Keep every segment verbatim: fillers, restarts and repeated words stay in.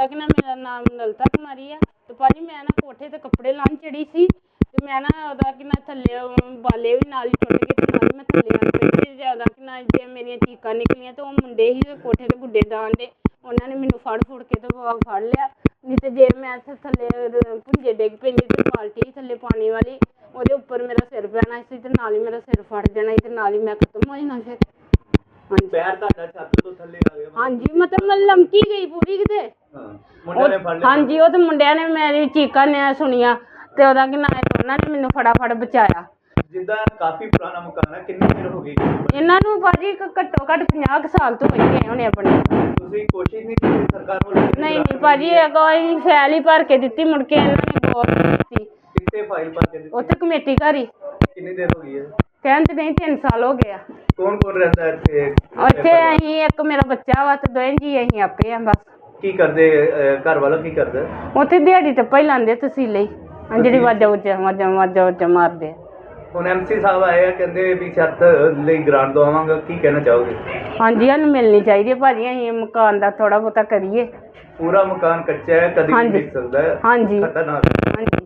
ਉਹਦਾ ਕਿ ਨਾ ਮੇਰਾ ਨਾਮ ਲਲਿਤਾ ਕੁਮਾਰੀ ਆ ਤੇ ਭਾਜੀ ਮੈਂ ਨਾ ਕੋਠੇ ਤੇ ਕੱਪੜੇ ਲਾਉਣ ਚੜੀ ਸੀ ਤੇ ਮੈਂ ਨਾ ਉਹਦਾ ਕਿ ਨਾ ਥੱਲੇ ਬਾਲੇ ਵੀ ਨਾਲ ਹੀ ਟੁੱਟ ਗਏ ਤੇ ਨਾਲ ਮੈਂ ਥੱਲੇ ਆ ਪਈ ਜ਼ਿਆਦਾ ਕਿ ਨਾ ਜੇ ਮੇਰੀਆਂ ਚੀਕਾਂ ਨਿਕਲੀਆਂ ਤੇ ਉਹ ਮੁੰਡੇ ਹੀ ਕੋਠੇ ਤੇ ਗੁੱਡੇ ਡਾਣ ਦੇ ਉਹਨਾਂ ਨੇ ਮੈਨੂੰ ਫੜ ਫੁੜ ਕੇ ਤੇ ਫੜ ਲਿਆ ਨਹੀਂ ਤੇ ਜੇ ਮੈਂ ਥੱਲੇ ਭੁੰਜੇ ਡਿੱਗ ਪੈਂਦੀ ਤੇ ਬਾਲਟੀ ਥੱਲੇ ਪਾਣੀ ਵਾਲੀ ਉਹਦੇ ਉੱਪਰ ਮੇਰਾ ਸਿਰ ਪੈਣਾ ਸੀ ਤੇ ਨਾਲ ਹੀ ਮੇਰਾ ਸਿਰ ਫਟ ਜਾਣਾ ਸੀ ਤੇ ਨਾਲ ਹੀ ਮੈਂ ਖਤਮ ਹੋ ਜਾਣਾ ਫਿਰ। ਹਾਂਜੀ ਪੈਰ ਤੁਹਾਡਾ ਛੱਤ ਤੋਂ ਥੱਲੇ ਆ ਗਿਆ? ਹਾਂਜੀ ਮਤਲਬ ਮੈਂ ਲਮਕੀ ਗਈ ਪੂਰੀ ਕਿਤੇ। ਹਾਂ ਮੁੰਡਿਆਂ ਨੇ ਫੜ ਲਿਆ? ਹਾਂਜੀ ਉਹ ਤੇ ਮੁੰਡਿਆਂ ਨੇ ਮੇਰੀ ਚੀਕਾਂ ਨੇ ਸੁਣੀਆਂ ਤੇ ਉਹਦਾ ਕਿ ਨਾ ਉਹਨਾਂ ਨੇ ਮੈਨੂੰ ਫਟਾਫਟ ਬਚਾਇਆ। ਜਿੱਦਾਂ ਕਾਫੀ ਪੁਰਾਣਾ ਮਕਾਨ ਹੈ, ਕਿੰਨੀ ਦੇਰ ਹੋ ਗਈ ਇਹਨਾਂ ਨੂੰ ਭਾਜੀ ਘੱਟੋ ਘੱਟ ਪੰਜਾਹ ਕੁ ਸਾਲ ਤੋਂ ਹੋਈ ਗਏ ਹੋਣੇ ਆਪਣੇ। ਤੁਸੀਂ ਕੋਸ਼ਿਸ਼ ਨਹੀਂ ਕੀਤੀ ਸਰਕਾਰ ਵੱਲੋਂ? ਨਹੀਂ ਨਹੀਂ ਭਾਜੀ ਕੋਈ ਫੈਲ ਹੀ ਭਰ ਕੇ ਦਿੱਤੀ ਮੁੜ ਕੇ ਇਹਨਾਂ ਨੇ ਗੌਰ ਨਹੀਂ ਕੀਤੀ। ਕਿੱਥੇ ਫਾਈਲ ਭਰ ਕੇ ਦਿੱਤੀ? ਉੱਥੇ ਕਮੇਟੀ ਘਰ ਹੀ। ਕਿੰਨੀ ਦੇਰ ਹੋ ਗਈ ਹੈ? ਕਹਿਣ ਤੇ ਨਹੀਂ ਤਿੰਨ ਸਾਲ ਹੋ ਗਏ ਆ। ਕੌਣ ਕੌਣ ਰਹਿੰਦਾ ਇੱਥੇ? ਉੱਥੇ ਅਸੀਂ ਇੱਕ ਮੇਰਾ ਬੱਚਾ ਵਾ ਤੇ ਦੋਵੇਂ ਜੀ ਅਸੀਂ ਆਪੇ ਆ ਬਸ। ਕੀ ਕਰਦੇ ਘਰ ਵਾਲਾ ਕੀ ਕਰਦਾ? ਉੱਥੇ ਦਿਹਾੜੀ ਟੱਪਾ ਹੀ ਲਾਉਂਦੇ ਤਸੀਲੇ ਹੀ ਜਿਹੜੀ ਵਾਜਾ ਉੱਚਾ ਵਾਜਾ ਵਾਜਾ ਉੱਚਾ ਮਾਰਦੇ ਆ। ਹੁਣ ਐਮਸੀ ਸਾਹਿਬ ਆਏ ਆ ਕਹਿੰਦੇ ਵੀ ਛੱਤ ਲਈ ਗ੍ਰਾਂਟ ਦਵਾਵਾਂਗਾ, ਕੀ ਕਹਿਣਾ ਚਾਹੋਗੇ? ਹਾਂਜੀ ਸਾਨੂੰ ਮਿਲਣੀ ਚਾਹੀਦੀ ਹੈ ਭਾਜੀ, ਅਸੀਂ ਮਕਾਨ ਦਾ ਥੋੜਾ ਬਹੁਤਾ ਕਰੀਏ। ਪੂਰਾ ਮਕਾਨ ਕੱਚਾ ਹੈ, ਕਦੀ ਵੀ ਡਿੱਗ ਸਕਦਾ ਹੈ। ਹਾਂਜੀ ਖਤਰਨਾਕ। ਹਾਂਜੀ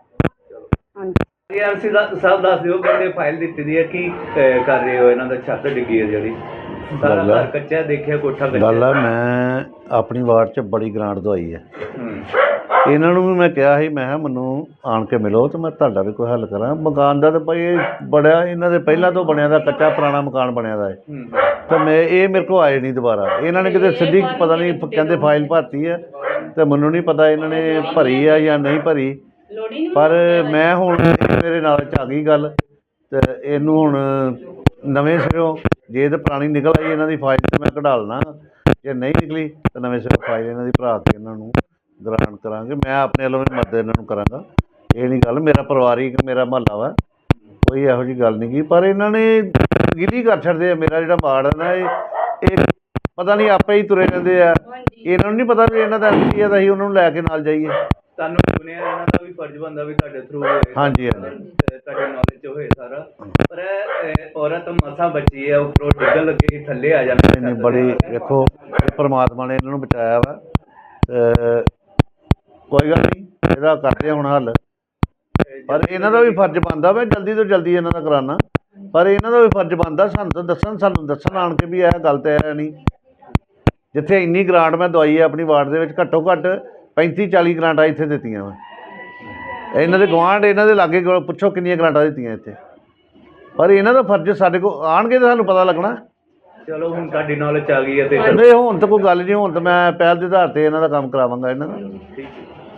ਹਾਂਜੀ ਐਮਸੀ ਸਾਹਿਬ ਦੱਸ ਦਿਓ, ਕਹਿੰਦੇ ਫਾਈਲ ਦਿੱਤੀ ਦੀ ਹੈ, ਕੀ ਕਰ ਰਹੇ ਹੋ? ਇਹਨਾਂ ਦਾ ਛੱਤ ਡਿੱਗੀ ਹੈ ਜਿਹੜੀ, ਸਾਰਾ ਘਰ ਕੱਚਾ ਹੈ, ਦੇਖਿਆ ਕੋਠਾ ਕੱਚਾ। ਗੱਲ ਆ ਮੈਂ ਆਪਣੀ ਵਾਰਡ 'ਚ ਬੜੀ ਗ੍ਰਾਂਟ ਦਵਾਈ ਹੈ। ਹੂੰ ਇਹਨਾਂ ਨੂੰ ਵੀ ਮੈਂ ਕਿਹਾ ਸੀ, ਮੈਂ ਕਿਹਾ ਮੈਨੂੰ ਆਣ ਕੇ ਮਿਲੋ ਤੇ ਮੈਂ ਤੁਹਾਡਾ ਵੀ ਕੋਈ ਹੱਲ ਕਰਾਂ। ਮਕਾਨ ਦਾ ਤਾਂ ਭਾਈ ਇਹ ਬੜਿਆ ਇਹਨਾਂ ਦੇ ਪਹਿਲਾਂ ਤੋਂ ਬਣਿਆ ਦਾ ਕੱਚਾ ਪੁਰਾਣਾ ਮਕਾਨ ਬਣਿਆ ਦਾ ਹੈ ਤਾਂ ਮੈਂ ਇਹ ਮੇਰੇ ਕੋਲ ਆਏ ਨਹੀਂ ਦੁਬਾਰਾ। ਇਹਨਾਂ ਨੇ ਕਿਤੇ ਸਿੱਧੀ ਪਤਾ ਨਹੀਂ ਕਹਿੰਦੇ ਫਾਈਲ ਭਰਤੀ ਹੈ ਤੇ ਮੈਨੂੰ ਨਹੀਂ ਪਤਾ ਇਹਨਾਂ ਨੇ ਭਰੀ ਆ ਜਾਂ ਨਹੀਂ ਭਰੀ, ਪਰ ਮੈਂ ਹੁਣ ਮੇਰੇ ਨਾਲ 'ਚ ਆ ਗਈ ਗੱਲ ਤੇ ਇਹਨੂੰ ਹੁਣ ਨਵੇਂ ਸਿਰੋਂ ਜੇ ਤਾਂ ਪੁਰਾਣੀ ਨਿਕਲ ਆਈ ਇਹਨਾਂ ਦੀ ਫਾਈਲ ਤੇ ਮੈਂ ਕਢਾ ਲੈਣਾ, ਜੇ ਨਹੀਂ ਨਿਕਲੀ ਤਾਂ ਨਵੇਂ ਸਿਰੋਂ ਫਾਈਲ ਇਹਨਾਂ ਦੀ ਭਰਾ ਕੇ ਇਹਨਾਂ ਨੂੰ ਗ੍ਰਾਂਟ ਕਰਾਂਗੇ। ਮੈਂ ਆਪਣੇ ਵੱਲੋਂ ਵੀ ਮਦਦ ਇਹਨਾਂ ਨੂੰ ਕਰਾਂਗਾ, ਇਹ ਨਹੀਂ ਗੱਲ, ਮੇਰਾ ਪਰਿਵਾਰਿਕ ਮੇਰਾ ਮੁਹੱਲਾ ਵਾ, ਕੋਈ ਇਹੋ ਜਿਹੀ ਗੱਲ ਨਹੀਂ ਗੀ, ਪਰ ਇਹਨਾਂ ਨੇ ਗਿਲੀ ਕਰ ਛੱਡਦੇ ਆ। ਮੇਰਾ ਜਿਹੜਾ ਵਾਰਡ ਹੈ ਨਾ ਇਹ ਇਹ ਪਤਾ ਨਹੀਂ ਆਪੇ ਹੀ ਤੁਰੇ ਰਹਿੰਦੇ ਆ, ਇਹਨਾਂ ਨੂੰ ਨਹੀਂ ਪਤਾ ਵੀ ਇਹਨਾਂ ਦਾ ਐਮਸੀ ਆ ਤਾਂ ਅਸੀਂ ਉਹਨਾਂ ਨੂੰ ਲੈ ਕੇ ਨਾਲ ਜਾਈਏ। ਤੁਹਾਨੂੰ ਸੁਣਿਆ ਇਹਨਾਂ ਦਾ ਵੀ ਫਰਜ਼ ਬਣਦਾ ਵੀ ਤੁਹਾਡੇ ਥਰੂ ਹੋਏ, ਹਾਂਜੀ ਹਾਂਜੀ ਤੁਹਾਡੇ ਨੌਲੇਜ 'ਚ ਹੋਏ ਸਾਰਾ, ਪਰ ਇਹ ਔਰਤ ਮਸਾਂ ਬਚੀ ਹੈ, ਉੱਪਰੋਂ ਡਿੱਗਣ ਲੱਗੇ ਸੀ, ਥੱਲੇ ਆ ਜਾਂਦੇ। ਨਹੀਂ ਬੜੀ ਵੇਖੋ ਪਰਮਾਤਮਾ ਨੇ ਇਹਨਾਂ ਨੂੰ ਬਚਾਇਆ ਵਾ ਤੇ ਕੋਈ ਗੱਲ ਨਹੀਂ, ਇਹਦਾ ਕਰਦੇ ਹੁਣ ਹੱਲ, ਪਰ ਇਹਨਾਂ ਦਾ ਵੀ ਫਰਜ਼ ਬਣਦਾ ਵਾ ਜਲਦੀ ਤੋਂ ਜਲਦੀ ਇਹਨਾਂ ਦਾ ਕਰਾਉਣਾ, ਪਰ ਇਹਨਾਂ ਦਾ ਵੀ ਫਰਜ਼ ਬਣਦਾ ਸਾਨੂੰ ਤਾਂ ਦੱਸਣ ਸਾਨੂੰ ਦੱਸਣ ਆਣ ਕੇ ਵੀ ਇਹ ਗੱਲ ਤਾਂ ਹੈ ਨਹੀਂ। ਜਿੱਥੇ ਇੰਨੀ ਗ੍ਰਾਂਟ ਮੈਂ ਦਵਾਈ ਹੈ ਆਪਣੀ ਵਾਰਡ ਦੇ ਵਿੱਚ, ਘੱਟੋ ਘੱਟ ਪੈਂਤੀ ਚਾਲੀ ਗ੍ਰਾਂਟਾਂ ਇੱਥੇ ਦਿੱਤੀਆਂ ਵਾ। ਇਹਨਾਂ ਦੇ ਗੁਆਂਢ ਇਹਨਾਂ ਦੇ ਲਾਗੇ ਪੁੱਛੋ ਕਿੰਨੀਆਂ ਗ੍ਰਾਂਟਾਂ ਦਿੱਤੀਆਂ ਇੱਥੇ, ਪਰ ਇਹਨਾਂ ਦਾ ਫਰਜ਼ ਸਾਡੇ ਕੋਲ ਆਉਣਗੇ ਤਾਂ ਸਾਨੂੰ ਪਤਾ ਲੱਗਣਾ। ਚਲੋ ਹੁਣ ਤੁਹਾਡੀ ਨੌਲੇਜ ਆ ਗਈ ਹੈ ਤੇ ਨਹੀਂ ਹੁਣ ਤਾਂ ਕੋਈ ਗੱਲ ਨਹੀਂ, ਹੁਣ ਤਾਂ ਮੈਂ ਪਹਿਲ ਦੇ ਆਧਾਰ 'ਤੇ ਇਹਨਾਂ ਦਾ ਕੰਮ ਕਰਾਵਾਂਗਾ ਇਹਨਾਂ ਦਾ। ਠੀਕ ਹੈ।